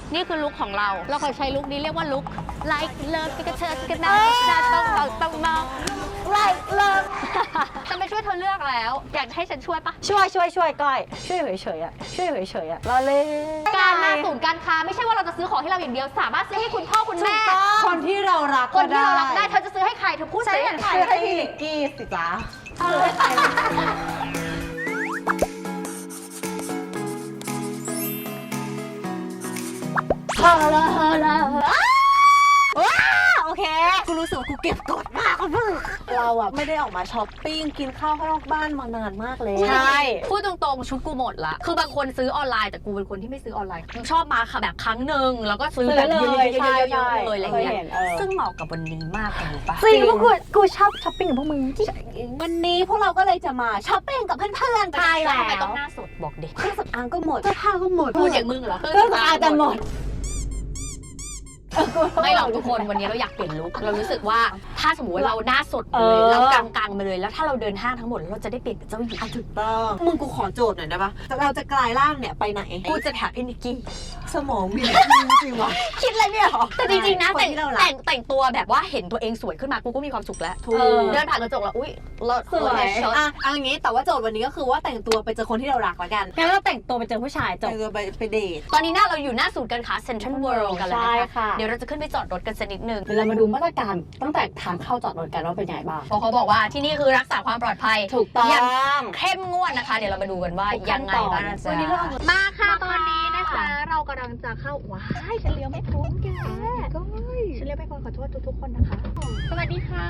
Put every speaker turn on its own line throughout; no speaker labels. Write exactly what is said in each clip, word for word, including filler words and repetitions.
นี่คือลุคของเรา เราเคยใช้ลุคนี้เรียกว่าลุค like love กระเชิดกระนาต้องต้องต้องมอง
like love
ฉันไปช่วยเธอเลือกแล้ว อยากให้ฉันช่วยปะ
ช่วยช่วยช่วยก้อยช่วยเฉยๆอ่ะช่วยเฉยๆอ่ะเราเล่น
การมาศูนย์การค้าไม่ใช่ว่าเราจะซื้อของให้เราอย่างเดียว สามารถซื้อให้คุณพ่อคุณแม่
คนที่เรารัก
คนที่เรารักได้เธอจะซื้อให้ใครเธอพูด
ใช่
สิ
ซื้อให้พี่นิกกี้สิจ๊ะซื้อให้ใครฮาลาฮาลาว้าโอเคกูรู้สึกว่ากูเก็บกดมากมึงเราอะไม่ได้ออกมาช้อปปิ้งกินข้าวข้างนอกบ้านมานานมากเลยใช่
พูดตรงๆชุดกูหมดละคือบางคนซื้อออนไลน์แต่กูเป็นคนที่ไม่ซื้อออนไลน์ชอบมาค่ะแบบครั้งหนึ่งแล้วก็ซื้อแบบเยอะๆๆๆๆเลยอะไรเงี้ยซึ่งเหมาะกับวันนี้มากเลยรู้ปะ
จริงพวกกูกูชอบช้อปปิ้งกับพวกมึงวันนี้พวกเราก็เลยจะมาช้อปปิ้งกับเพื่อนๆ
ใช่
แล้
แล้วทำไมต้อ
ว
งหน้าสดบอกดิ
เครื่องสำอางก็หมดเสื้อผ้าก็หมด
พูดอย่างมึงเหรอ
เครื่องสำอางจะหมด
ไม่หรอกทุกคนวันนี้เราอยากเปลี่ยนลุคเรารู้สึกว่าถ้าสมมติว่าเราหน้าสดไป
เอ
เลย
อ
เรากลางๆไปเลยแล้วถ้าเราเดินห้างทั้งหมดเราจะได้เปลี่ยนเป็นเจ้าหญิง
ถูกต้องมึงกูขอโจทย์หน่อยได้ปะเราจะกลายร่างเนี่ยไปไหน
กูจะถามพี่นิกกี้
สมองมีจริงวะคิดอะไรไม่ออก
แต่จริงๆนะ
ค
แต่ง
ที่เรารั
แต่
ก
งแต่งตัวแบบว่าเห็นตัวเองสวยขึ้นมากูก็มีความสุขแล้ว
ถูก
เดินผ่านกระจกแล้วอุ้ยเรา
สวย
ช็อต
อ่ะเอาอย่างงี้แต่ว่าโจทย์วันนี้ก็คือว่าแต่งตัวไปเจอคนที่เรารักละกัน
งั้นเราแต่งตัวไปเจอผู้ชายจบ
แต่งตัวไปไปเดท
ตอนนี้หน้าเราอยู่หน้าศูนย์การค้าเซ็นทรัลเวิลด์กันแล้ว
ใช่
นะคะ
ค่ะ
เดี๋ยวเราจะขึ้นไปจอดรถกันสักนิดนึง
เดี๋ยวเรามาดูมาตรการตั้งแต่ทางเข้าจอดรถกันว่าเป็นยังไงบ้าง
เพราะเขาบอกว่าที่นี่คือรักษาความปลอดภัย
ถูกต้อง
อย่างเข้มงวดนะคะ เดี๋ยวเรามาดูกันว่า
ทุกขั้
ยั
น
งไง
ตอน
บ้างนะจ๊ะ
วันนี้เราเอา
มาค่ะตอนนี้นะคะ เรากำลังจะเข้าว้ายฉันเลี้ยวไม่พ้นแกก็ฉันเลี้ยวไม่พ้นขอโทษทุกๆคนนะคะ สวัสดีค่ะ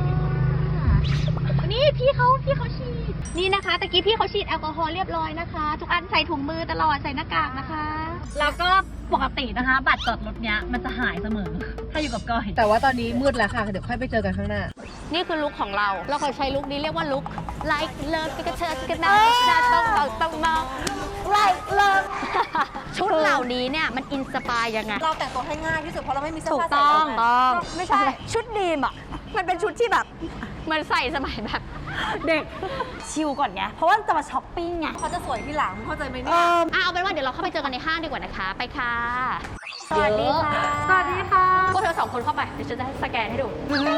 นี่พี่เขาพี่เขาฉีดนี่นะคะตะกี้พี่เขาฉีดแอลกอฮอล์เรียบร้อยนะคะ ทุกอันใส่ถุงมือตลอดใส่หน้ากากนะคะ
แล้วก็ปกตินะคะ บัตรจอดรถเนี้ยมันจะหายเสมอ ถ้าอยู่กับก้อย
แต่ว่าตอนนี้มืดแล้วค่ะ เดี๋ยวค่อยไปเจอกันข้างหน้า
นี่คือลุคของเรา เราเคยใช้ลุคนี้เรียกว่าลุค like love กระเชิดกระนาต้องต้องต้องมอง
like love
ชุดเหล่านี้เนี่ยมันอินสปายยังไง
เราแต่งตัวให้ง่ายที่สุดเพราะเราไม่มีเสื้อ
ถูก
ผ้า
ต้
ใส่
อง
เลย
ต้องไม่ใช่ชุดดีมอ่ะ มันเป็นชุดที่แบบเหมันใส่สมัยแบบ
เด็กชิลก่อนไง เพราะว่าจะมาช้อปปิ้งไง
เขาจะสวยที่หลังเข้าใจไหม
เอ
เนี่ย
ออ่ะเอาเป็นว่าเดี๋ยวเราเข้าไปเจอกันในห้างดีกว่านะคะ ไปค่ะ
สวัสดีค่ะ
สวัสดีค่ะพวกเธอสองคนเข้าไปเดี๋ยวฉันจะให้สแกนให้ดู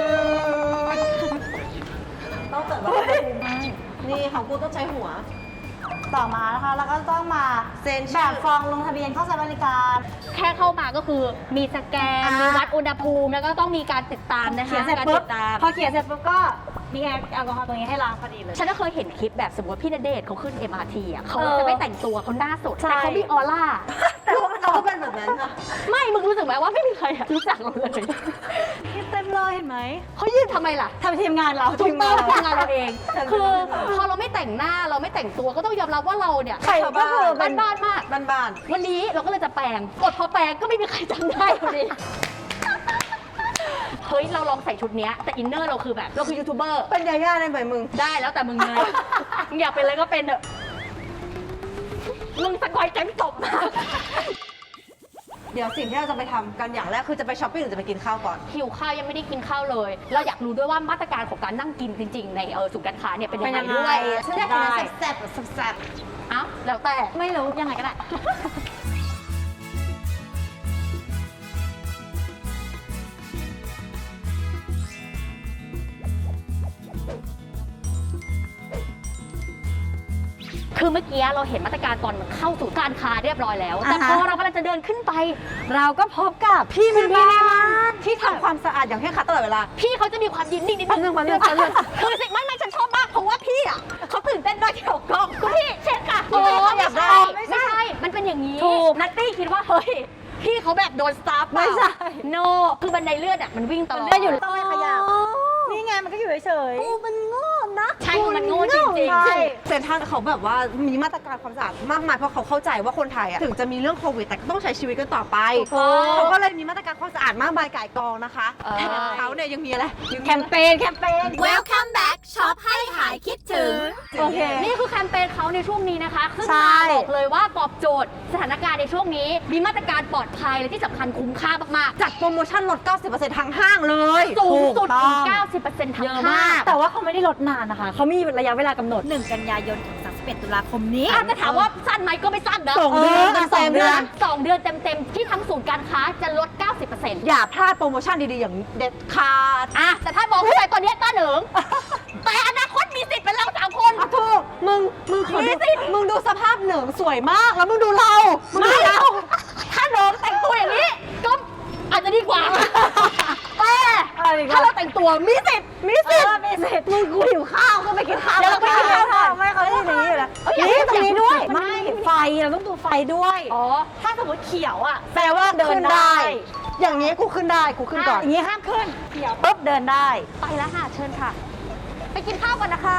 ต้องเปิดว่านี่ของกูต้องใช้หัว
ต่อมานะคะแล้วก็ต้องมา
เซ็น
แบ
ชื่อบ
ฟองลงทะเบียนเข้าใช้บริการ
แค่เข้ามาก็คือมีสแกน
อ่ามี
มีวัดอุณหภูมิแล้วก็ต้องมีการติดตามนะคะ
เขียนเสร็จ
การ
ปุ๊
ติ
บ
ดตาม
พอเขียนเสร็จปุ๊บก็มีแอลกอฮอล์ตรงนี้ให้ล้างพอดีเลย
ฉันก็เคยเห็นคลิปแบบสมมติพี่ณเดชน์เขาขึ้น เอ็ม อาร์ ที อ่ะเขา
เออ
จะไม่แต่งตัวเขาหน้าสด
ใช่
แต่เขามีออร่า
แต่พวกเราก็เป็นแบบนั้นค่ะ
ไม่ มึงรู้สึกไหมว่าไม่มีใครอะรู้จักเราเลย
คิดเต็มเลยเห็นไหม
เขายืนทำไมล่ะ
ทำทีมงานเรา
ถูกต้องทำงานเราเอง
แต่
คือพอเราไม่แต่งหน้าเราไม่แต่งตัวก็ต้องยอมรับว่าเราเนี่ย
ใครก็คือเป็น
บ้านๆมาก
บ้าน
วันนี้เราก็เลยจะแปลงกดพอแปลงก็ไม่มีใครจำได้พอดีเฮ้ยเราลองใส่ชุดเนี้ยแต่อินเนอร์เราคือแบบเราคือยูทูบเบอร์
ๆเป็นยาย่าได้ไหมมึง
ได้แล้วแต่มึงเลย มึงอยากเป็นอะไรก็เป็นเถอะมึงสกอยแก๊งตบมาก
เดี๋ยวสิ่งที่เราจะไปทำกันอย่างแรกคือจะไปช้อปปิ้งหรือจะไปกินข้าวก่อน
หิวข้าวยังไม่ได้กินข้าวเลย เราอยากรู้ด้วยว่ามาตรการของการนั่งกินจริง ๆ ในเออศูนย์การค้าเนี่ยเป็นยังไงด้วย
ฉันอยากกินอะไรแซ่บๆแซ่บ
เอ้าแล้วแต่
ไม่รู้ยังไงก็ได้
คือเมื่อกี้เราเห็นมาตรการตอนเข้าสู่การค้าเรียบร้อยแล้ว แต่
อ่า
พ
ฮะ
อเรากำลังจะเดินขึ้นไป
เราก็พบกับ
พี่เป็นบ้านที่ทำความสะอาดอย่างเคร่งครัดตลอดเวลา
พี่เขาจะมีความยินดีนิด
แป๊บนึงแป๊บนึงแป๊บนึง
คือสิไม่ไม่ฉันชอบมากเพราะว่าพี่อ่ะเขาตื่นเต้นด้วยที่ออกกล้องคุณพี่เช็ดค่ะ
โอ้อยากได้
ไม่ใช่ มันเป็นอย่างนี้
ถูก
นัตตี้คิดว่าเฮ้ยพี่เขาแบบโดนสตาร์ฟ
ไม่ใช่
โนคือบันไดเลื่อนอ่ะมันวิ่งตลอด
ก็อยู่ต้องไม่ขยับนี่ไงมันก็อยู่เฉย
กูมันโง่นะ
ใช่มันโง่จริง
ใช่
ๆ
เซ็นทรัลเขาแบบว่ามีมาตรการความสะอาดมากมายเพราะเขาเข้าใจว่าคนไทยอะถึงจะมีเรื่องโควิดแต่ก็ต้องใช้ชีวิตกันต่อไป
ถูกต้อง
เขาก็เลยมีมาตรการความสะอาดมากมายก่ายกองนะคะ
เออ
แต่เขาเนี่ยยังมีอะไรยัง
ๆ
มี
แคมเปญแคมเปญ
Welcome back ช็อปให้หายคิดถึง
โอเค
นี่คือแคมเปญเขาในช่วงนี้นะคะซึ่ง
ใช่
มาบอกเลยว่าตอบโจทย์สถานการณ์ในช่วงนี้ มีมาตรการปลอดภัยและที่สำคัญคุ้มค่ามาก
จัดโปรโมชั่นลด เก้าสิบเปอร์เซ็นต์ ทั้งห้างเลย
ๆ สูงสุด
ถูกต้
ถึ
อง
ง เก้าสิบเปอร์เซ็นต์ ทั้ง
เยอะ
ห้าม
าก แต่ว่าเขาไม่ได้ลดนานนะคะ เขามีระยะเวลากำหนด
หนึ่ง กันยายนถึงสามสิบ
สิบเอ็ดตุลาคมนี้
อาจจะถามว่าสั้นไหมก็ไม่สั้นนะ
สองเดือนสองเดือน
สองเดือนเต็มๆที่ทั้งศูนย์การค้าจะลด เก้าสิบเปอร์เซ็นต์
อย่าพลาดโปรโมชั่นดีๆ อย่างเด็ดขาด
อ่ะแต่ถ้ามองผู้ชายตอนนี้ต้าเหนิง แต่อนาคตมีสิทธิ์เป็นเราสามคน
อ่ะถูกมึง มึงขอดูมึงดูสภาพเหนิงสวยมาก แล้วมึงดูเรา มึงดูเรา
ถ้าน้องแต่งตัวอย่างนี้ก็อาจจะดีกว่า แต่
อะไรดีกว่า
ถ้าเราแต่งตัวมีสิทธิ์มีสิทธิ์
มีสิทธิ์มึงกูหิวข้าวก็ไปกินข้าว
เดี๋ยวเราไปกินข้าวก่อน
ไม่เขาจะอย่างนี้อยู่แล้ว
เอ้ยอยาก
นี่ตรงนี้ด้วย
อยาก
ไม่ไฟเราต้องดูไฟด้วย
อ๋อ
ถ้าสมมติเขียวอ่ะแปลว่าเดินได้ อย่างนี้กูขึ้นได้กูขึ้นก่อน
อย่างนี้ห้ามขึ้น
เขียวปุ๊บเดินได้
ไปแล้วค่ะเชิญค่ะ ไปกินข้าวก่อนนะคะ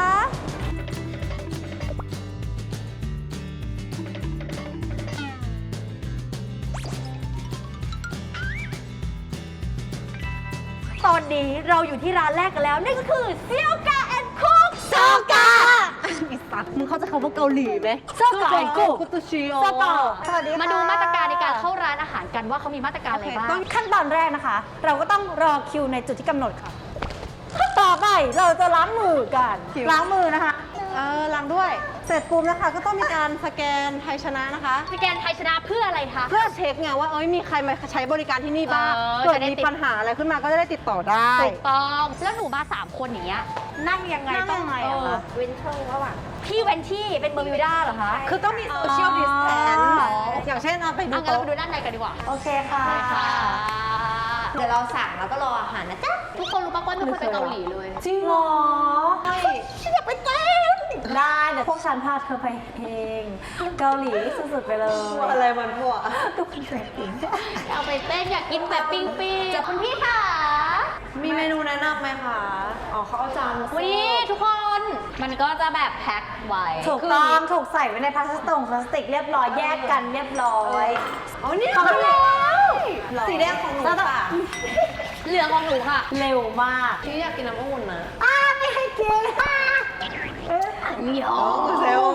ตอนนี้เราอยู่ที่ร้านแรกกันแล้วนั่นก็คือเซียวกาแอนคุก
โซกาอีสัตว์มึงเข้าใจคำว่าเกาหลีไหม
โซกาแอนคุก
กุตุชิโอ
สตอ
สวัสดีค่ะ
มาดูมาตรการในการเข้าร้านอาหารกันว่าเขามีมาตรการอะไรบ้าง
ต้องขั้นตอนแรกนะคะ เราก็ต้องรอคิวในจุดที่กำหนดค่ะ ต่อไปเราจะล้างมือกัน ล้างมือนะคะ
เออล้างด้วย เสร็จปุ๊บนะคะ ก็ต้องมีการสแกนไทยชนะนะคะ
สแกนไทยชนะเพื่ออะไรคะ
เพื่อเช็คไงว่าเอ้ยมีใครมาใช้บริการที่นี่บ้าง
เออ
เกิด
จะได้
มี
ติด
ปัญหาอะไรขึ้นมาก็จะได้ติดต่อได้
ถูกต้องแล้วหนูมาสามคนอย่างเงี้ยนั่งยังไง
นั่ง
ต้อง
ยังไงอะคะ
เว้นช่องระหว่างพี่เวนที่เป็นเบอร์มิวด้าเหรอคะ
คือต้องมีโซเชียลดิสแทน
อ๋อ
อย่างเช่นเอาไปดู
อ่ะงั้นเรา
โต๊ะ
ไปดูด้านในกันดีกว่า
โอเคค่ะ
ค่ะ
เดี๋ยวเราสั่งแล้วก็รออาหารนะจ๊ะ
ทุกคนรู้ป่ะว่าไม่เคยไปเกาหลีเลย
จริงเหรอ
ฉันอยากไปเต้น
ได้เดี๋ยวพวกฉันพาเธอไปเองเกาหลีสุดๆไปเลย
อะไรมันพวก
ทุกคนเลยจริง
เอาไปเต้นอยากกินแบบปิ้งปิ้งคุณพี่ค่ะ
มีเมนูแนะนำไหมคะอ๋อเขาเอาจานมาเสิร์ฟ
วันนี้ทุกคนมันก็จะแบบแพ็คไว้
ถูกต้องถูกใส่ไว้ในพลาสติกพลาสติกเรียบร้อยแยกกันเรียบร้อย
อ๋อนี่
เขาไม่แล้ว
สีแดงของหนูค่ะ
เหลืองของหนูค่ะ
เร็วมาก
พี่อยากกินน้ำองุ่นนะ
อ้าไม่ให้กินอ่ะ
เหนียว
เซล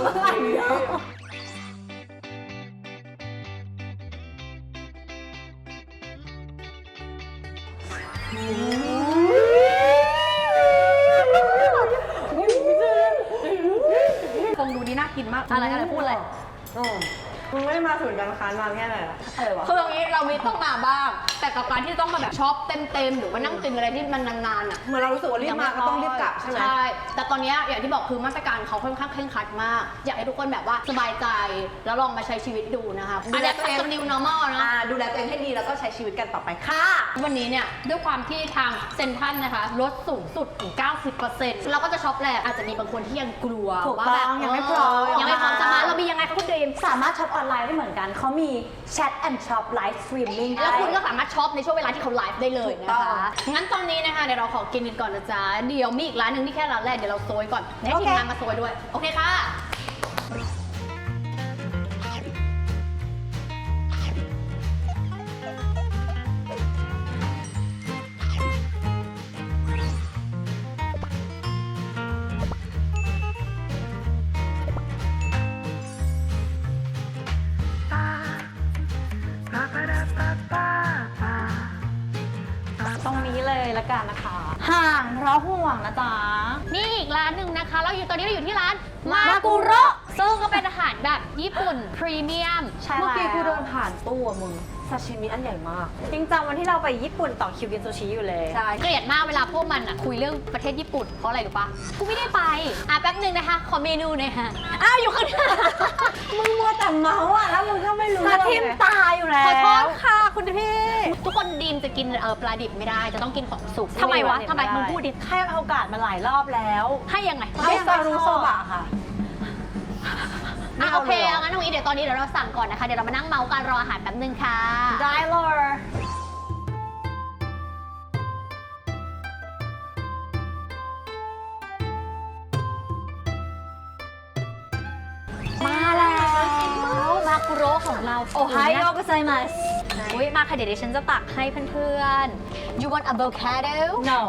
คงดูนี่น่ากินมากอะไรอะไรพูดอะไร
อ๋อมึงไม่ได้มาศูนย์การค้านานแค่ไหนละอะไรวะ
คือตรงนี้เรามีต้องมาบ้าง แต่กับการที่ต้องมาแบบช็อปเต็มๆหรือว่านั่งกินอะไรที่มันนานๆอ่ะ
เหมือนเรารู้สึกว่ารีบมาก็ต้องรีบกลับใช่ไหม
ใช่ แต่ตอนเนี้ยอย่างที่บอกคือมาตรการเขาค่อนข้างเคร่งครัดมาก อยากให้ทุกคนแบบว่าสบายใจแล้วลองมาใช้ชีวิตดูนะคะอันนี้เป็น new normal นะ
อ่าดูแลตัวเองให้ดีแล้วก็ใช้ชีวิตกันต่อไปค่ะ
วันนี้เนี่ยด้วยความที่ทางเซ็นทรัลนะคะลดสูงสุดถึง เก้าสิบเปอร์เซ็นต์ เราก็จะช็อปแหละอาจจะมีบางคนที่ยังกลัว
ถูก
ว่า
ต้
แบ
อบ งยังไม่พร้อม
ยังไม่พร้อมจะมาเรามียังไงคะคุณดรีม
สามารถช็อปออนไลน์ได้เหมือนกัน เขามีแชทแอนด์ช็อปไลฟ์สตรีมมิ่ง
แล้วคุณก็สามารถช็อปในช่วงเวลาที่เขาไลฟ์ได้เลย
ถูก
นะ
ต้อง
คะ งั้นตอนนี้นะคะเดี๋ยวเราขอกินกันก่อนนะจ๊ะ เดี๋ยวมีอีกร้านหนึ่งที่แค่ร้านแรกเดี๋ยวเราโซยก่อนให้ทีมงานมาโซยด้วย โอเคค่ะ
ตรงนี้เลยละกันนะคะ ห่างเพราะห่วงนะจ๊ะ
นี่อีกร้านหนึ่งนะคะ เราอยู่ตอนนี้เราอยู่ที่ร้านมา
มากุ
กุ
โระ
ระซึ่งก็เป็นอาหารแบบญี่ปุ่นพรีเมียม
ใช่
เมื่อกี้กู
แล้ว
เดินผ่านตู้อะมึงซาชิมิอันใหญ่มาก
จริงจังวันที่เราไปญี่ปุ่นต่อคิวกินซูชิอยู่เลย
ใช่เกลียดมากเวลาพวกมันอ่ะคุยเรื่องประเทศญี่ปุ่นเพราะอะไรรู้ปะกูไม่ได้ไป อ่ะแป๊บหนึ่งนะคะ ขอเมนูหน่อยค่ะ อ้าวอยู่ข้างหน้า
มึงมัวแต่เมาส์อ่ะแล้วมึงก็ไม่รู้
มาทิมตาอยู่แล้ว
ขอโทษค่ะคุณพี่ ทุกคนดีมจะกินเออปลาดิบไม่ได้ จะต้องกินของสุกทำไมวะทำไมมึงพูดดิ
ให้โอกาสมาหลายรอบแล้ว
ให้ยังไง
ให้ซารุโซบะค่ะ
อ่ะโอเคเอางั้นตรงนี้เดี๋ยวตอนนี้เดี๋ยวเราสั่งก่อนนะคะ เดี๋ยวเรามานั่งเมาส์กันรออาหารแป๊บนึงค่ะ
ได้เลย
มาแล้วมากุโระของเรา
โอไฮโอกุไซมัส
อุ้ยมาค่ะเดี๋ยวดิฉันจะตักให้เพื่อนๆ you want avocado
no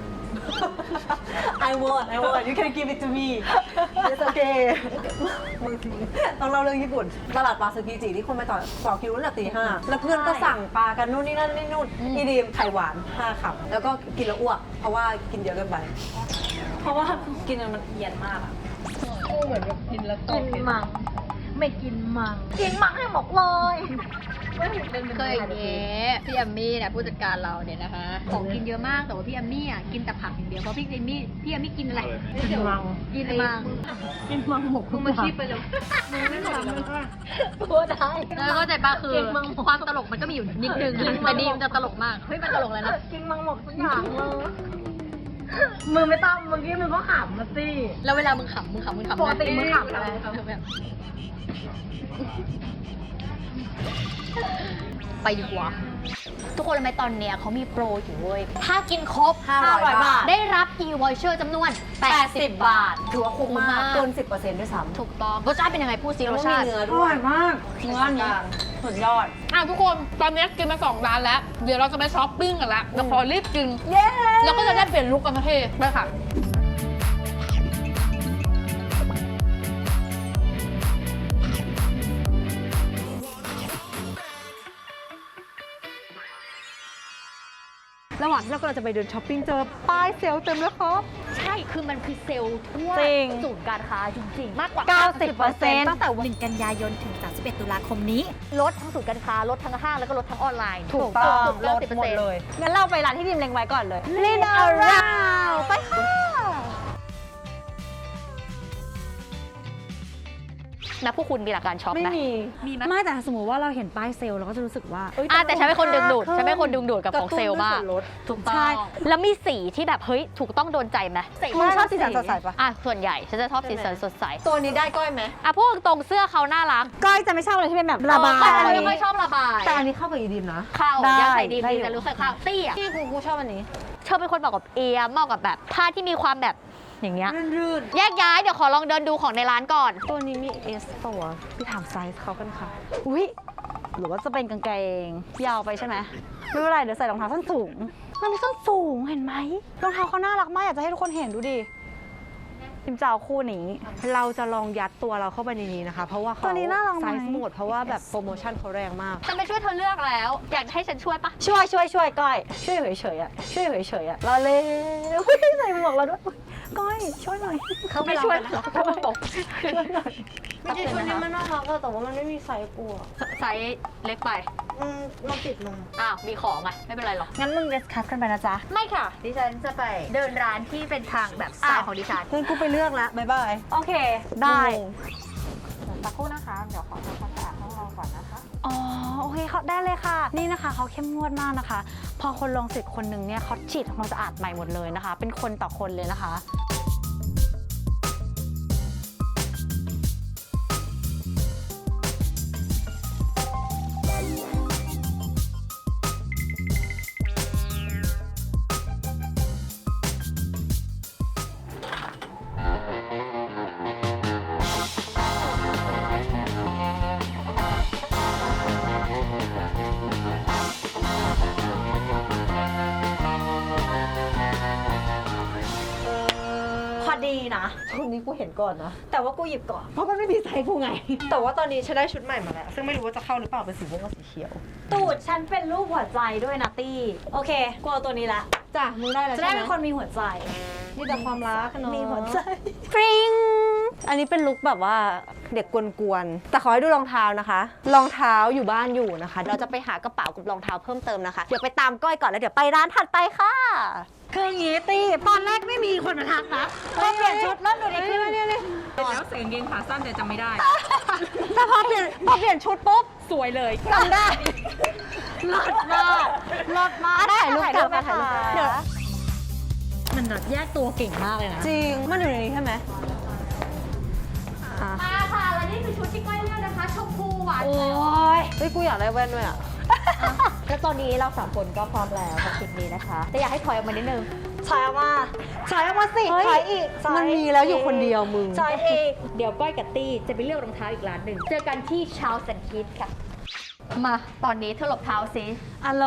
I want I want you can give it to me it's okay มึงต้องเล่าเรื่องญี่ปุ่น ตลาดปลาซึกิจิที่คนไปต่อต่อคิวตั้งแต่ตีห้าแล้วเพื่อนก็สั่งปลากันนู่นนี่นั่นนี่นู่น
อืม
อีดีมไข่หวานห้าคำแล้วก็กินแล้วอ้วก เพราะว่ากินเยอะเกินไป
เพราะว่ากินมันเอียนมากอะ
โอ้
เหมือนแบบกินแล้วต
กิ
ก
นมัง ไม่กินมัง กินมังให้หมดเลย
เคยอย่างนี้พี่แอมมี่เนี่ยผู้จัดการเราเนี่ยนะคะของกินเยอะมากแต่ว่าพี่แอมมี่อ่ะกินแต่ผักอย่างเดียวเพราะพี่แอมมี่พี่แอมมี่กินอะไร
กินมัง
กินมัง
กินมังหมก
มึงมาคิดไปเลย
มึงไม่ทำเลยพูดได้
แล้วเข้าใจปะคือ
กินมังหมก
ความตลกมันก็มีอยู่นิดนึงแต่ดีมันจะตลกมากเฮ้ยมันตลกเลยนะ
กินมังหมกทุกอย่างเลยมึงไม่ต้องเมื่อกี้มึงก็ขำมาสิ
แล้วเวลามึงขำมึงขำมึงขำ
ปกติมึงขำอะไร
แบบไปดีกว่า ทุกคนรู้ไหมตอนเนี้ยเขามีโปรอยู่เว้ย ถ้ากินครบ
ห้าร้อยบาท
ได้รับ e-voucher จำนวน แปดสิบ บาท
ถือว่าคุ้มมากเกินสิบเปอร์เซ็นต์ด้วยซ้ำ
ถูกต้องรสชาติเป็นยังไงพูดซิ
แล้ว
ร
ก็
ส
มี
ชาติ
เนื้อ
อ
ด้ว
ร่อย ยมาก
เนื้อนี้สุดยอด
อ่ะทุกคนตอนนี้กินมาสองร้านแล้ว เดี๋ยวเราจะไปช้อปปิ้งกันแล้วเราขอรีบกิน
เย้
แล้วก็จะได้เปลี่ยนลุคกันทั้งทีไปค่ะ
ระหว่างที่เรากำลังจะไปเดินช้อปปิ้งเจอป้ายเซลล์เต็มเลยครับ
ใช่ คือมันคือเซลล์ทั่ว
จริง
ศูนย์การค้าจริงๆ มากกว่า
เก้าสิบเปอร์เซ็นต์
ตั้งแต่วัน
หนึ่ง กันยายน ถึง สามสิบเอ็ด ตุลาคมนี้
ลดทั้งศูนย์การค้าลดทั้งห้างแล้วก็ลดทั้งออนไลน์
ถูกต้อง
สุดๆ
ลดหมดเลย
งั้นเราไปร้านที่ดิมเล็งไว้ก่อนเลยลินอาราวไปค่ะ
นะพวกคุณมีหลักการช็อป
ไม่
ไหม
มี
มีไหม
ไม่แต่สมมติว่าเราเห็นป้ายเซลล์เราก็จะรู้สึกว่า
อ่ะแต่ฉันเป็นคนดึงดูดฉันเป็นคนดึงดูดกับของเซลล์มาก
ระตุ้นด้วยส่วนลด
ถูกต้อง
ใช่
แล้วมีสีที่แบบเฮ้ยถูกต้องโดนใจไหม
มึงชอบสีสันสดใสปะ
อ่ะส่วนใหญ่ฉันจะชอบสีสันสดใส
ตัวนี้ได้ก้อยไหม
อ่ะพวกตรงเสื้อเขาน่ารัก
ก้อยจะไม่ชอบอะไรที่เป็นแบบระบา
แต่อัน
ย
นี้ไม่ค่อยชอบระบาย
แต่อันนี้เข้ากับอีดิมนะ
เข้า
ได้
อยากใส่ดี
ได้
ดี
อยู่
แต่รู้สึกเข้าเตี้ย
พี่กูกูชอบอันนี้
เธอเป็นคนเหมาะกับเอมเหมาะกับแบบผ้าที่มีความแบบอย่างเงี้ย
รื่น
แยกย้ายเดี๋ยวขอลองเดินดูของในร้านก่อน
ๆตัวนี้มีเอสป่าวะพี่ถามไซส์เขากันค่ะ
อุ้ยหรือว่าจะเป็นกางเกงยาวไปใช่ไหมไม่เป็นไรเดี๋ยวใส่รองเท้าส้นสูงมันมีส้นสูงเห็นไหมรองเท้าเขาน่ารักมากอยากจะให้ทุกคนเห็นดูดิทิมจะเอาคู่นี้
เราจะลองยัดตัวเราเข้าไปในนี้นะคะ เพราะว่าเขา
ตัวนี้น่าลองไหม
ไซส์หมดเพราะว่าแบบโปรโมชั่นเขาแรงมาก
ฉันไปช่วยเธอเลือกแล้ว อยากให้ฉันช่วยปะ
ช่วยช่วยช่วยก้อยช่วยเฉยๆอ่ะช่วยเฉยๆอ่ะรอเลยอุ๊ยใส่หมวกเราด้วยอุ๊ยก้อยช่วยหน่อย
เขาไม่ช่วยหรอกเขามาบอกช่วยหน่อยไม่ใช่ชุดนี้มันน่ารักอะแต่ว่ามันไม่มีไซส์กูอะ
ไซส์เล็กไป
อืมเราติดมา
อ้าว มีของอ่ะ ไม่เป็นไรหรอก
งั้นมึงเดสคัสกันไปนะจ๊ะ
ไม่ค่ะ ดิฉันจะไปเดินร้านที่เป็นทางแบบสไตล์ของดิฉัน
เพื่อนกูไปเลือกละบ๊ายบาย
โอเค ได้
สักครู่นะคะ เดี๋ยวขอทำความสะอาดห้องเราก่อนนะคะ
อ๋อโอเคเขาได้เลยค่ะ นี่นะคะเขาเข้มงวดมากนะคะ พอคนลงสิทธิ์คนหนึ่งเนี่ยเขาฉีดทำความสะอาดใหม่หมดเลยนะคะ เป็นคนต่อคนเลยนะคะ พอดีนะ
ชุดนี้กูเห็นก่อนนะ
แต่ว่ากูหยิบก่อน
เพราะมันไม่มีไซส์กูไง แต่ว่าตอนนี้ฉันได้ชุดใหม่มาแล้ว ซึ่งไม่รู้ว่าจะเข้าหรือเปล่าเป็นสีม่วงกับสีเขียว
ตูดฉันเป็นรูปหัวใจด้วยนะตี้ โอเคกูเอาตัวนี้ละ
จ้ะมึงได้แล้ว
จะ
ใช่
ได้
ไหม
เป็นคนมีหัวใจ
มีแต่ความรักเนาะ
มีหัวใจปริง
อันนี้เป็นลุคแบบว่าเด็กกวนๆ แต่ขอให้ดูรองเท้านะคะ รองเท้าอยู่บ้านอยู่นะคะ เราจะไปหากระเป๋ากับรองเท้าเพิ่มเติมนะคะ เดี๋ยวไปตามก้อยก่อนแล้วเดี๋ยวไปร้านถัดไปค่ะ
คืออย่างงี้ตี้ตอนแรกไม่มีคนมาทักนะพอเปลี่ยนชุดเริ่มดูดีขึ้น
แล้วใส่กางเกงขาสั้นแต่จำไม่ได้
แต่พอเปลี่ยนพอเปลี่ยนชุดปุ๊บ
สวยเลย
จำได้เลิศมากเลิศมากได้ถ่ายรูปกับถ่ายรูปเดี๋ยว
มันแบบแยกตัวเก่งมากเลยนะ
จริง มันอยู่ในนี้ใช่ไหมอ่ะ
มาค่ะ และนี่คือชุดที่ก้อยเลือกนะคะ ชมพูหวาน
โอ้ยเฮ้ย กูอยากได้แว่นด้วยอ่ะ
แล้วตอนนี้เราสามคนก็พร้อมแล้วกับชุดนี้นะคะ แต่อยากให้ถอยออกมานิดนึง
ถอยออกมาถอยออกมาสิถอยอีกถอย
มันมีแล้วอยู่คนเดียวมึง
ถอยอีก
เดี๋ยวก้อยกับตี้จะไปเลือกรองเท้าอีกร้านหนึ่ง เจอกันที่ชาวสันคิดค่ะ มาตอนนี้เธอหลบเท้าซิ
อ่ะหลบ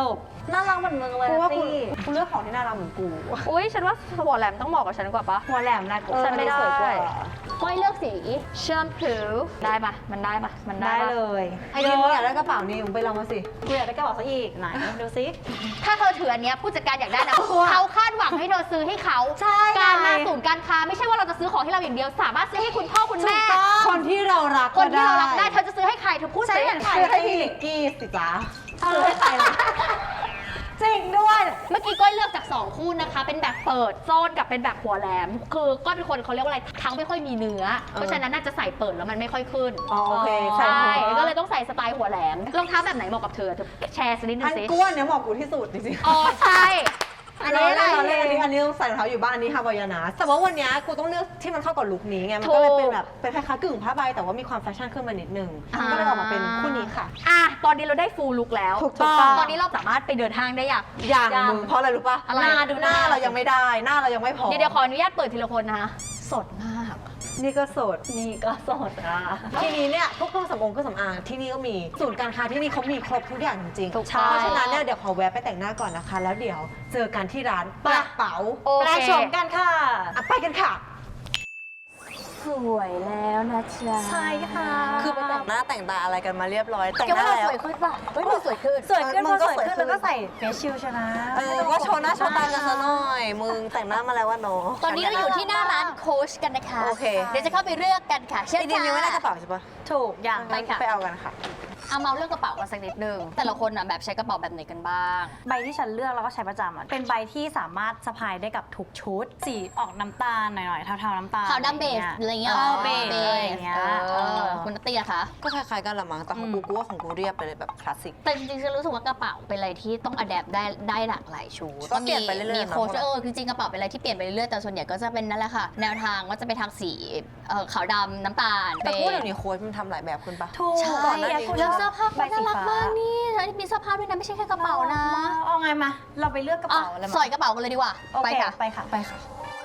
น่ารักเหมือนมึงเลย
กูว่ากู
ตี้
กูเลือกของที่น่ารักเหมือนกู
อุ้ยฉันว่าหัวแหลมต้องเหมาะกับฉันกว่าปะ
หัวแหลมนะกู
ฉันไม่ได้
สวยกว่า
ก้อยเลือกสีแชมพูได้ปะมันได้ปะมันได้
ได้
ปะ
เลย
ไอ้นี่มึงอยากได้กระเป๋านี่มึงไปลองมาสิ
กูอยากได้กระเป๋าซะอีกไหนดูซิ
ถ้าเธอถืออันเนี้ยผู้จัดการอยากได้นะ
ว้าว
เขาคาดหวังให้เธอซื้อให้เขา
ใช่
การมา
ไง
ศูนย์การค้าไม่ใช่ว่าเราจะซื้อของให้เราอย่างเดียว สามารถซื้อให้คุณพ่อคุณแม่
คนที่เรารัก
คนที่เรารักได้เธอจะซื้อให้ใครเธอพูด
ใช่
สิ
เหมือนใคร
ซื้อให้พี่นิกกี้สิจ๊ะ
ซื้อให้ใครล่ะจริงด้วย
เมื่อกี้ก้อยเลือกจากสองคู่นะคะ เป็นแบบเปิดโซนกับเป็นแบบหัวแหลม คือก้อยเป็นคนเขาเรียกว่าอะไรทั้งไม่ค่อยมีเนื้อ เพราะฉะนั้นน่าจะใส่เปิดแล้วมันไม่ค่อยขึ้น
อ๋อโอเค
ใช่
ใช่
ก็เลยต้องใส่สไตล์หัวแหลมรองเท้าแบบไหนเหมาะกับเธอเธอแชร์สักนิดนึ
อั
ง
น
สิ
กูว่าเนี้ยเหมาะกูที่สุดจริงๆ
อ๋อใช่
อันนี้อะไรอันนี้อันนี้อันนี้ต้องใส่รองเท้าอยู่บ้านอันนี้ฮาวายานาแต่ว่าวันเนี้ยกูต้องเลือกที่มันเข้ากับลุคนี้ไง มันก็เลยเป็นแบบเป็นคล้ายๆกึ่งผ้าใบแต่ว่ามีความแฟชั่นขึ้นมานิดนึง ก็เลยออกมาเป็นคู่นี้ค่ะ
อ่ะตอนนี้เราได้ฟูลลุกแล้ว
ถูกต้อง
ตอนนี้เราสามารถไปเดินห้างได้อย่าง
อย่าง
ยัง
มึงเพราะอะไรรู้ป่ะ
อะไร
หน้าดูหน้าเรายังไม่ได้ หน้าเรายังไม่พอ
เดี๋ยวเดี๋ยวขออนุญาตเปิดทีละคนนะคะสดมาก
นี่ก็โสด
นี่ก็สดอ่ะ
ทีนี้เนี่ยพวกเครื่องสำอางเครื่องสำอางที่นี่ก็มีศูนย์การค้าที่นี่เขามีครบทุกอย่างจริงๆ
ถูกต้อง
เพราะฉะนั้นเนี่ยเดี๋ยวขอแวะไปแต่งหน้าก่อนนะคะ แล้วเดี๋ยวเจอกันที่ร้านกระเป๋า
โอ
แปล
เค
ชมกันค่ะ
อ่ะไปกันค่ะ
สวยแล้วนะจ๊ะ
ใช่ค่ะ
คือไปแต่งหน้าแต่งตาอะไรกันมาเรียบร้อยแต่ง
แก
หน้า
ว่าเรา
แล้ว
สวยขึ้นป่ะเฮ้ยมันสวยขึ้น
สวยขึ้น
มึ
พอง
ก็
สวย
สวยขึ้
ขึ้
น
นแล้วก็ใส่เฟซชิลชนะ
เออก็โชว์หน้าโชว์ตากันซะหน่อย มึงแต่งหน้ามาแล้วว่าน้อง
ตอนนี้เราอยู่ที่หน้าร้านโค้ชกันนะคะ
โอเค
เดี๋ยวจะเข้าไปเลือกกันค่ะเช่น
ไอเดียยังไม่ได้กระเป๋าใช่ปะ
ถูกอย่าง
ไปค่ะ
ไปเอากันค่ะ
เอาเมาเรื่องกระเป๋ากันสักนิดนึงแต่ละคนน่ะแบบใช้กระเป๋าแบบไหนกันบ้าง
ใบที่ฉันเลือกแล้วก็ใช้ประจำอ่ะเป็นใบที่สามารถสะพายได้กับทุกชุด สีออกน้ำตาลหน่อยๆเทาๆน้ำตาล
ขาวดำเบสอะไรเงี้ย
เออ
หร
เบสอะไรอย่างเงี้ย
เอ
เอ
อ
อ
คุณนัตตี้อะคะ
ก็คล้ายๆกันละมั้งแต่ของกูกูว่าของกูเรียบไปเลยแบบคลาสสิก
แต่จริงๆฉันรู้สึกว่ากระเป๋าเป็นอะไรที่ต้องอัดแอปได้ได้หลากหลายชุด
ก็เปลี่ยนไปเรื่อยๆ
มี
เนอะ
โค้ชเออจริงๆกระเป๋าเป็นอะไรที่เปลี่ยนไปเรื่อยๆแต่ส่วนใหญ่ก็จะเป็นนั่นแหละค่ะ แนวทางว่าจะไปทางสีเอ่อขาวดำน้ำตาล
แต่กู
เบ
เดี๋ย
ส
วนี้โค้ชมันทำหลายแบบขึ้นปะ
ถูก
ใช่
ก่อนหน้านี้
แล้วเสื้อผ้า
ใบ
เขา
สี
น่ารัก
ฟ้าม
ากนี่แล้วมีเสื้อผ้าด้วยนะไม่ใช่แค่กระเป๋านะ
เอาไงมา เราไปเลือกกระ
อ่ะ
เป๋าอะไรมา
สอยกระเป๋ากันเลยดีกว่า
โอเค
ไปค่ะ
ไปค่ะ
ไปค่ะ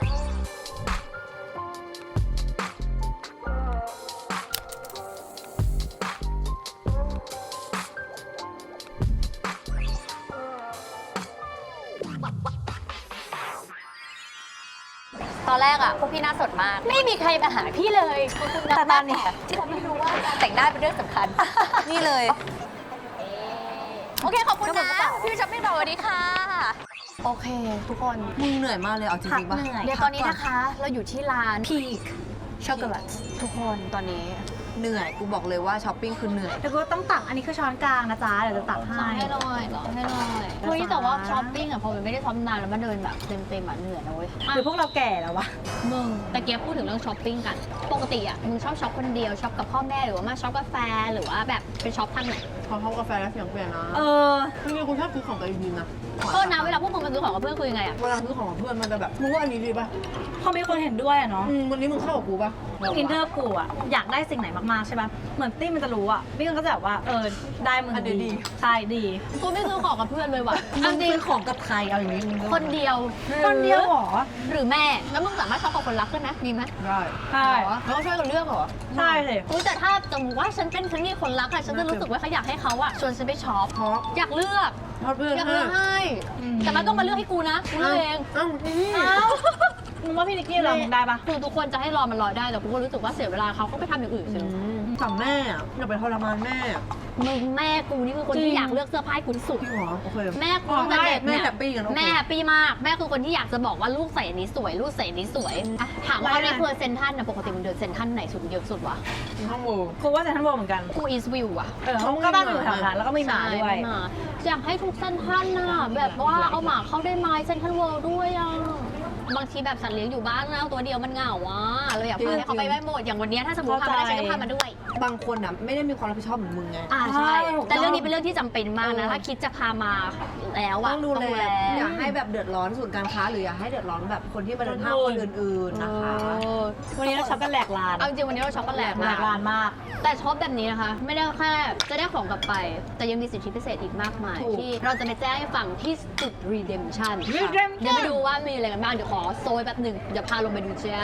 ตอนแรกอ่ะพวกพี่หน่าสดมาก ไม่มีใครมาหาพี่เลย
แต่ตอนนี้
ที่ทำให้รู้ว่าการแต่งหน้าเป็นเรื่องสำคัญ
นี่เลย
โอเค ขอบคุณนะ พี่ช็อปปี้บอกสวัสดีค่ะ โอเค ทุกคน
มึงเหนื่อยมากเลยเอาจริงๆปะ
พักเหนื่อย
เดี๋ยวตอนนี้นะคะ เราอยู่ที่ร้าน Peak Chocolate ทุกคนตอนนี้
เหนื่อยกูบอกเลยว่าช้อปปิ้งคือเหนื่อย
เดี๋ยวกูต้องตักอันนี้คือช้อนกลางนะจ๊ะ เดี๋ยวจะตัก
สอ
ให้
นให้หน่อยสอนให้หน่อยเฮ้ยแต่ว่าช้อปปิ้งอ่ะพอมันไม่ได้ช้อปนานแล้วมันเดินแบบเต็มๆอ่ะเหนื่อยนะเว้ย
หรือพวกเราแก่แล้ววะ
มึงแต่เกียพูดถึงเรื่องช้อปปิ้งกัน ปกติอ่ะมึงชอบช็อปคนเดียวช็อปกับพ่อแม่หรือว่ามาช็อปกาแฟหรือว่าแบบไปช็อปทางไหน
พอเข้ากาแฟแล้วเสียงเปลี่ยนนะ
เออ
จริงๆคุณชอบซื้อของตัวเองดีนะ
โทษนะเวลาพวกมึงไปซื้อของกับเพื่อนคุยยังไงอ่ะ
เวลาซื้อของกับเพื่อนมันจะแบบมึงว่าอันนี้ดีป่ะ
พอมีคนเห็นด้วยอะเนาะ
อืมวันนี้มึงเข้ากับกูป่ะ
อินเนอร์กูอะอยากได้สิ่งไหนมากๆใช่ปะเหมือนตี้มันจะรู้อะพี่มันก็จะแบบว่าเออได้มึง
อันเดียวดี
ใช่ดี
กูไม่ซื้อของกับเพื่อนเลยว่ะ
มึงซื้อของกับใครเอาอย่างนี้มึง
คนเดียว
คนเดียวเหรอ
หรือแม่แล้วมึงสามารถช็อปกับคนรักด้วยนะมีไหม
ได้
ใช่
เหรอ
แล้วก็ช่วยกันเลือกเหรอ
ใช่เลย
อุ๊ยแต่ถ้าสมมติว่าฉันเป็นฉันมีคนรักอะฉันจะรู้สึกว่าเขาอยากให้เขาอะชวนฉันไปช็อป
เพราะ
อยากเลือก
เพราะเพื่อน
อยาก
ให้
เลือกให้ แต่มันต้องมาเลือกให้กูนะกูเลือกเอง
เอ้านี่
เอ้า
มึงว่าพี่นิกกี้เรามึงได้ปะ
คือทุกคนจะให้รอมันรอได้แต่กูก็รู้สึกว่าเสียเวลาเขาก็ไปทำอย่างอื่นสิ
สั่งแม่อะอย่าไปทรมานแม่
มึงแม่กูนี่คือคนที่อยากเลือกเสื้อผ้าให้กูที่สุด
จริงเหรอโอเค
แม่กูตั้งแต่เด็ก
แม่
เนี่ย
แฮปปี้กันโอเค
แม่แฮปปี้มากแม่คือคนที่อยากจะบอกว่าลูกใส่อันนี้สวยลูกใส่อันนี้สวยอ่ะถามว่าในเครือเซนทรันนะปกติมึงเดินเซนทรันไหนสุดเยอะสุดวะ
ห้องโว
กูว่าจะท่านบอกเหมือนกัน
กูอีสวิวอะ
เออเขาก็บ้านอยู่แถวนั้นแล้วก็มีหมาด้วย
ใช่หมาอยากให้ทุกเซนทรันน่ะแบบว่าเอาหมาเข้าได้ไหมเซนทรันเวิลด์ด้วยอ่ะบางทีแบบสัตว์เลี้ยงอยู่บ้านนะตัวเดียวมันเหงาอ่ะเราอยากพาให้เขาไปได้หมดอย่างวันเนี้ยถ้าสมมติพามาได้ฉันก็พามาด้วย
บางคนอ่ะไม่ได้มีความรับผิดชอบเหมือนมึงไง
อ่าใช่
ถูกต้อง
แต่เรื่องนี้เป็นเรื่องที่จำเป็นมากนะถ้าคิดจะพามาแล้วอะ
ต้องดูแลอย่าให้แบบเดือดร้อนส่วนย์การค้าหรืออย่าให้เดือดร้อนแบบคนที่มาเดินห้างคนอื่นๆนะคะ
เออ
วันนี้เราช็อปกันแหลกลาน
เอาจริงๆวันนี้เราช็อปกันแหลก
แหล
มาก
กลานมาก
แต่ช็อปแบบนี้นะคะ ไม่ได้แค่จะได้ของกลับไป แต่ยังมีสิทธิพิเศษอีกมากมาย
ถูก
ที่เราจะไปแจ้งให้ฟังที่จุด redemption
Redemption
เดี๋ยวไปดูว่ามีอะไรกันบ้าง เดี๋ยวขอโซยแป๊บหนึ่งเดี๋ยวพาลงไปดูจ้า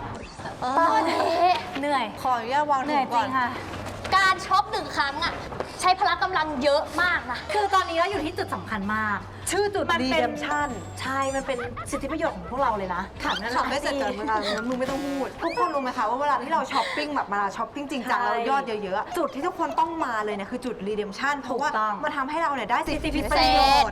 ตอนนี้เหนื่อย
ขออนุญาตวาง
เหนื่อยจ
ก่
ริ
อน
งค่ะ
การช็อปหนึ่งครั้งอะใช้พละกำลังเยอะมากนะ
คือตอนนี้เราอยู่ที่จุดสำคัญมาก
ชื่อจุด
มันเป็น
redemption
ใช่ มันเป็นสิทธิประโยชน์ของพวกเราเลยนะค่ะนั่นแห
ช็อป
ละ
ได้เสร็จก่อนเวลานั้นมึงไม่ต้องพูด ทุกคนรู้ไหมคะว่าเวลาที่เราช้อปปิ้งแบบเวลาช้อปปิ้งจริงจัง
ใช่
แล้วยอดเยอะๆ จุดที่ทุกคนต้องมาเลยเนี่ยคือจุด redemption เพราะว่า
ถูกต้อง
มันทำให้เราเนี่ยได้สิทธิ
พิ
พิ
เศ
เศ
ษ
ษ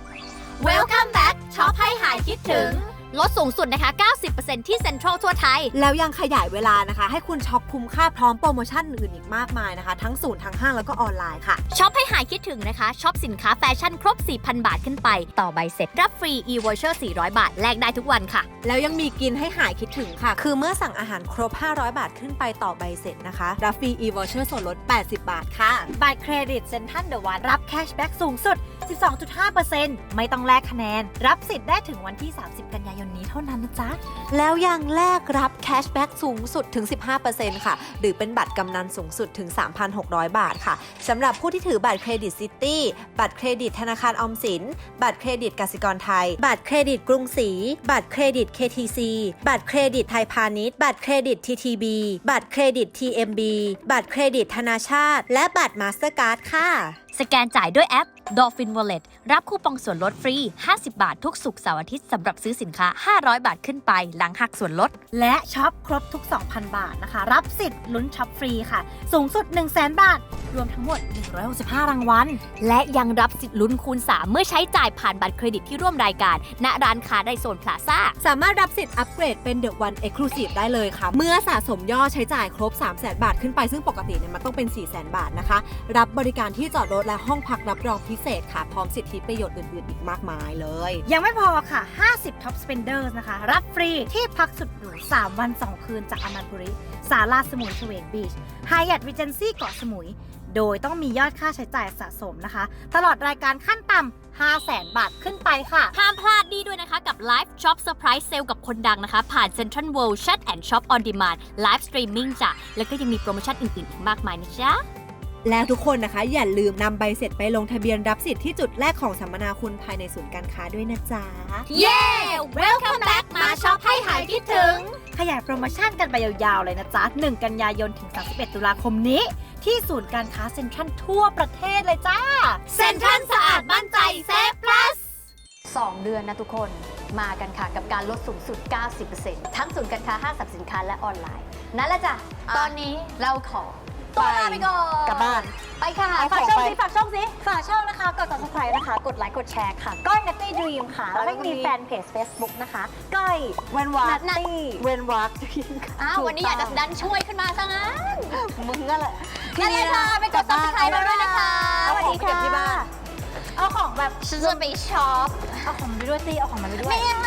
Welcome back ช็อปให้หายคิดถึง ลดสูงสุดนะคะ เก้าสิบเปอร์เซ็นต์ ที่เซ็นทรัลทั่วไทย
แล้วยังขยายเวลานะคะ ให้คุณช็อปคุ้มค่าพร้อมโปรโมชั่นอื่นอีกมากมายนะคะ ทั้งศูนย์ทั้งห้างแล้วก็ออนไลน์ค่ะ
ช็อปให้หายคิดถึงนะคะ ช็อปสินค้าแฟชั่นครบ สี่พัน บาทขึ้นไป ต่อใบเสร็จรับฟรี e-voucher สี่ร้อย บาท แลกได้ทุกวันค่ะ
แล้วยังมีกินให้หายคิดถึงค่ะ คือเมื่อสั่งอาหารครบ ห้าร้อย บาทขึ้นไปต่อใบเสร็จนะคะ รับฟรี e-voucher ส่วนลด แปดสิบ บาทค่ะ
บัตรเครดิตเซ็นทรัลเดอะวันรับแคชแบ็กสูงสุด สิบสองจุดห้าเปอร์เซ็นต์ ไม่ต้องแลกคะแนน รับสิทธิ์ได้ถึงวันที่ สามสิบ กันยายนนี้เท่านั้นนะจ๊ะ
แล้วยังแลกรับแคชแบ็กสูงสุดถึง สิบห้าเปอร์เซ็นต์ ค่ะ หรือเป็นบัตรกำนันสูงสุดถึง สามพันหกร้อย บาทค่ะ สำหรับผู้ที่ถือบัตรเครดิตซิตี้ บัตรเครดิตธนาคารออมสิน บัตรเครดิตกสิกรไทย บัตรเครดิตกรุงศรี บัตรเครดิต เค ที ซี บัตรเครดิตไทยพาณิชย์ บัตรเครดิต ที ที บี บัตรเครดิต ที เอ็ม บี บัตรเครดิตธนาชาติ และบัตรมาสเตอร์การ์ดค่ะ
สแกนจ่ายด้วยแอป Dolphin Wallet รับคูปองส่วนลดฟรี ห้าสิบ บาททุกศุกร์เสาร์อาทิตย์สำหรับซื้อสินค้า ห้าร้อย บาทขึ้นไปหลังหักส่วนลด
และช็อปครบทุก สองพัน บาทนะคะ รับสิทธิ์ลุ้นช็อปฟรีค่ะ สูงสุด หนึ่งแสน บาท รวมทั้งหมด หนึ่งร้อยหกสิบห้า รางวัล
และยังรับสิทธิ์ลุ้นคูณ สาม เมื่อใช้จ่ายผ่านบัตรเครดิตที่ร่วมรายการ ณ ร้านค้าในโซนพลาซ่า
สามารถรับสิทธิ์อัปเกรดเป็น The One Exclusive ได้เลยค่ะ เมื่อสะสมยอดใช้จ่ายครบ สามแสน บาทขึ้นไปซึ่งปกติเนี่ยมันต้องเป็น สี่แสน บาทนะคะ รับบริการที่จอดรถและห้องพักรับรองพิเศษค่ะ พร้อมสิทธิประโยชน์อื่นๆอีกมากมายเลย
ยังไม่พอค่ะ ห้าสิบ Top Spenders นะคะ รับฟรีที่พักสุดหรู สาม วัน สอง คืนจากอมันบุรีศาลาสมุยเฉวงบีช Hyatt Regency เกาะสมุย โดยต้องมียอดค่าใช้จ่ายสะสมนะคะ ตลอดรายการขั้นต่ำ ห้าแสน บาทขึ้นไปค่ะ
ห้ามพลาดดีด้วยนะคะกับ Live Shop Surprise Sale กับคนดังนะคะ ผ่าน Central World Chat and Shop on Demand Live Streaming จ้ะ แล้วก็ยังมีโปรโมชั่นอื่นๆอีกมากมายนะจ๊ะ
และทุกคนนะคะอย่าลืมนำใบเสร็จไปลงทะเบียนรับสิทธิ์ที่จุดแรกของสัมมนาคุณภายในศูนย์การค้าด้วยนะจ๊ะ
เย้ Welcome back มาช็อปให้หายคิดถึง
ขยายโปรโมชั่นกันไปยาวๆเลยนะจ๊ะ หนึ่ง กันยายนถึง สามสิบเอ็ด ตุลาคมนี้ ที่ศูนย์การค้าเซ็นทรัลทั่วประเทศเลยจ้า
เซ็นทรัลสะอาดมั่นใจเซฟ plus สองเดือนนะทุกคนมากันค่ะกับการลดสูงสุด เก้าสิบเปอร์เซ็นต์ ทั้งศูนย์การค้าห้างสรรพสินค้าและออนไลน์ นั่นแหละจ้ะ ตอนนี้เราขอตัวลาไปก่อน
กลับบ้าน
ไปค่ะ
ฝากช่องสิฝากช่องสิฝากช่องนะคะ กด subscribe นะคะ กดไลค์ กดแชร์ค่ะ ก้อย Natty Dream ค่ะ แล้วก็มีแฟนเพจ Facebook นะคะ ก้อย
เว้นวัก
Natty
เว้นวัก
อ้าววันนี้อยากจะดันช่วยขึ้นมาซะงั้น
มึงนั่นแหละ
นั่นเลยค่ะ ไปกด subscribe เราด้วยนะคะ
เอา
สวัส
ของ
ดี
เก็บ
ค่ะ
ที่บ้าน
เอาของแบบ
ฉันจะไปช็อป
เอาของมาไปด้วยสิ เอาของมาไปด้วย
ไม่เอา